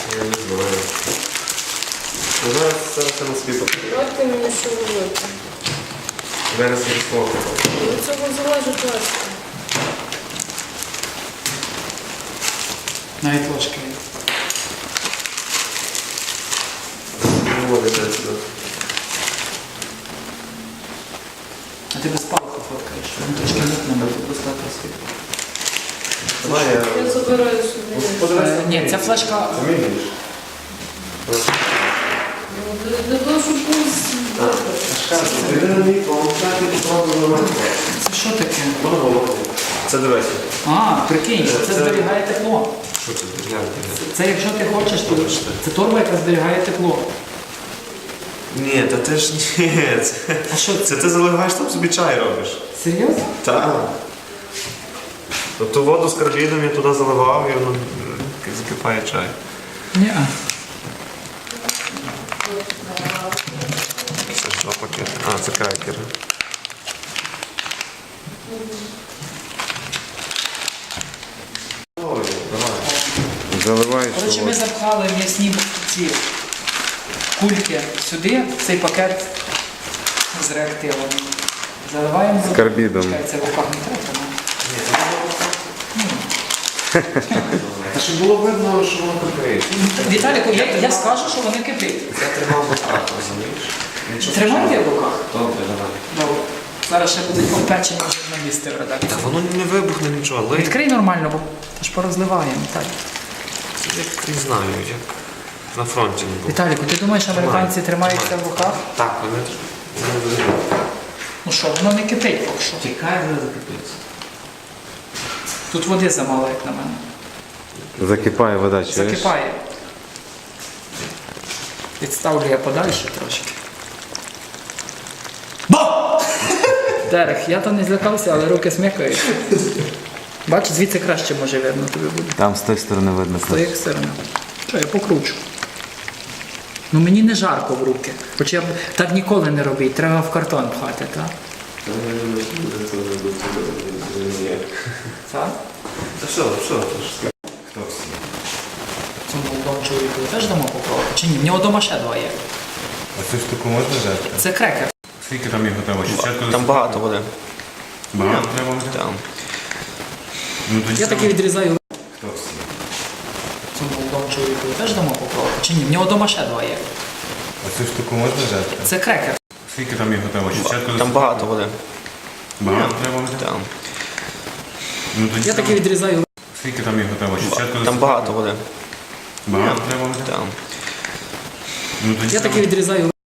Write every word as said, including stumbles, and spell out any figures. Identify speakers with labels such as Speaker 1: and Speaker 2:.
Speaker 1: Я не знаю. Ну, зараз це все на світ.
Speaker 2: Давайте мені що робити.
Speaker 1: Зараз я слово.
Speaker 2: Від цього залежить важко.
Speaker 3: Навіть ложки.
Speaker 1: Не може дати сюди.
Speaker 3: А ти без палки фоткаєш, він трошки мутно, бо тут достатньо світло.
Speaker 1: Давай я...
Speaker 2: Я забираю собі.
Speaker 3: Е, Ні, ця флешка...
Speaker 1: Замінюєш?
Speaker 2: Ну, Для того, щоб був
Speaker 1: Ти не мій помогти, попробуй.
Speaker 3: Це що таке?
Speaker 1: Це дивися.
Speaker 3: А, прикинь,
Speaker 1: Це-
Speaker 3: це
Speaker 1: це-
Speaker 3: зберігає тепло.
Speaker 1: Що це? Гляньте.
Speaker 3: Це якщо ти хочеш, то це торба, яка зберігає тепло.
Speaker 1: Ні, та ти ж ні. Це,
Speaker 3: А що це?
Speaker 1: це ти заливаєш там собі чай робиш.
Speaker 3: Серйозно?
Speaker 1: Так. Тобто воду з карбідом я туди заливав і воно е, закипає чай.
Speaker 3: Ні.
Speaker 1: Це що пакети? А, це крекери. Ой, давай.
Speaker 4: Заливаєш.
Speaker 3: Коротше, ми запхали м'ясні ці кульки сюди, в цей пакет з реактивом. Заливаємо
Speaker 4: З карбідом.
Speaker 3: Чекай, це в руках не треба.
Speaker 1: Та щоб було видно, що воно кипить.
Speaker 3: Віталіку, я, я скажу, що вони кипить.
Speaker 1: Я тримав в руках, розумієш? Нічого
Speaker 3: Тримай я в руках.
Speaker 1: Добре, давай.
Speaker 3: Добре. Зараз ще будуть попечені журналісти в редакції.
Speaker 1: Та воно не вибухне нічого, але
Speaker 3: Відкрий нормально, бо аж порозливаємо. Так.
Speaker 1: це як не знаю, як на фронті не було.
Speaker 3: Віталіку, ти думаєш, американці тримаються в руках?
Speaker 1: Так, вони не вибухне.
Speaker 3: Ну що, воно не кипить поки що.
Speaker 1: Тікає, вони закипиться.
Speaker 3: Тут води замало, як на мене.
Speaker 4: Закипає вода, чуєш?
Speaker 3: Закипає. Відставлю я подальше трошки. Ба! Дерех, я то не злякався, але руки смикають. Бач, звідси краще може видно тобі буде.
Speaker 4: Там з тої сторони видно.
Speaker 3: З тої сторони. Що, я покручу. Ну мені не жарко в руки. Хоча я б так ніколи не робіть, треба в картон пхати, так? Так?
Speaker 1: Та що, що?
Speaker 4: Хто всі?
Speaker 3: Цьому молодому чоловіку теж дамо попробувати? Чи ні? В нього вдома ще два є.
Speaker 4: А цю штуку можна взяти?
Speaker 3: Це крекер.
Speaker 4: Скільки там його треба? Спочатку
Speaker 1: Там багато води.
Speaker 4: багато треба взяти?
Speaker 1: Там.
Speaker 4: Ну тоді
Speaker 3: Я
Speaker 4: саме-
Speaker 3: таки відрізаю.
Speaker 4: Хто всі?
Speaker 3: Цьому молодому чоловіку теж дамо попробувати? Чи ні? В нього вдома ще два є.
Speaker 4: А цю штуку можна взяти?
Speaker 3: Це крекер.
Speaker 4: Скільки там його треба? Спочатку
Speaker 1: Там багато води.
Speaker 4: багато треба взяти?
Speaker 1: Там.
Speaker 4: Ну тоді
Speaker 3: Я таки
Speaker 4: саме-
Speaker 3: відрізаю.
Speaker 4: Скільки там його треба? Спочатку
Speaker 1: Там багато води.
Speaker 4: багато треба взяти?
Speaker 1: Там.
Speaker 4: Ну тоді
Speaker 3: Я таки
Speaker 4: саме-
Speaker 3: відрізаю.